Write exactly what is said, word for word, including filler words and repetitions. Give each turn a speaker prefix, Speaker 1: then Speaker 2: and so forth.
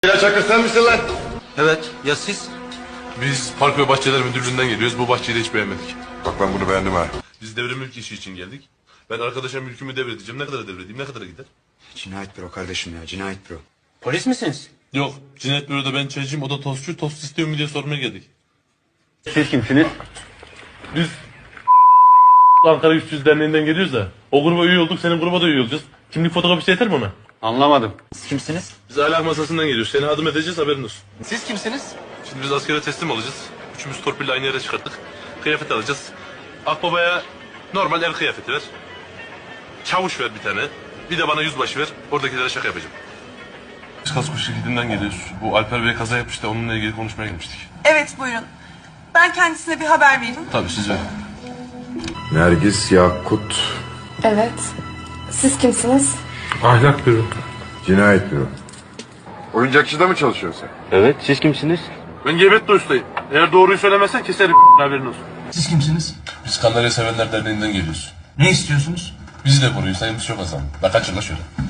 Speaker 1: Ya Çakır sen misin lan?
Speaker 2: Evet, ya siz?
Speaker 3: Biz Park ve Bahçeler Müdürlüğü'nden geliyoruz. Bu bahçeyi de hiç beğenmedik.
Speaker 1: Bak ben bunu beğendim ha.
Speaker 3: Biz devre mülk işi için geldik. Ben arkadaşa mülkümü devredeceğim. Ne kadara devredeyim? Ne kadara gider?
Speaker 2: Cinayet büro kardeşim ya, cinayet büro.
Speaker 4: Polis misiniz?
Speaker 3: Yok. Cinayet büroda ben çaycıyım. O da tostçu. Tost istiyor mu diye sormaya geldik.
Speaker 4: Siz kimsiniz?
Speaker 3: Biz Ankara üç yüz Derneği'nden geliyoruz da. O gruba üye olduk. Senin gruba da üye olacağız. Kimlik fotokopisi yeter mi ona?
Speaker 4: Anlamadım. Siz kimsiniz?
Speaker 3: Biz ahlak masasından geliyoruz. Seni adım edeceğiz, haberin olsun.
Speaker 4: Siz kimsiniz?
Speaker 3: Şimdi biz askere teslim olacağız. Üçümüz torpille aynı yere çıkarttık. Kıyafet alacağız. Akbabaya normal er kıyafeti ver. Çavuş ver bir tane. Bir de bana yüzbaşı ver. Oradakilere şaka yapacağım. Biz kasko şirketinden geliyoruz. Bu Alper Bey kaza yapmıştı. Onunla ilgili konuşmaya gelmiştik.
Speaker 5: Evet buyurun. Ben kendisine bir haber vereyim.
Speaker 3: Tabii siz verin.
Speaker 1: Nergis Yakut
Speaker 6: Evet. Siz kimsiniz?
Speaker 3: Ahlak büro.
Speaker 1: Cinayet Büro. Oyuncakçıda mı çalışıyorsun sen?
Speaker 4: Evet, siz kimsiniz?
Speaker 3: Ben Gebet ustayım. Eğer doğruyu söylemezsen keserim haberin olsun.
Speaker 7: Siz kimsiniz?
Speaker 3: Biz Kandarya Sevenler Derneği'nden geliyoruz.
Speaker 7: Ne istiyorsunuz?
Speaker 3: Bizi de koruyun, sayımız çok azaldı. La kaçın la şöyle.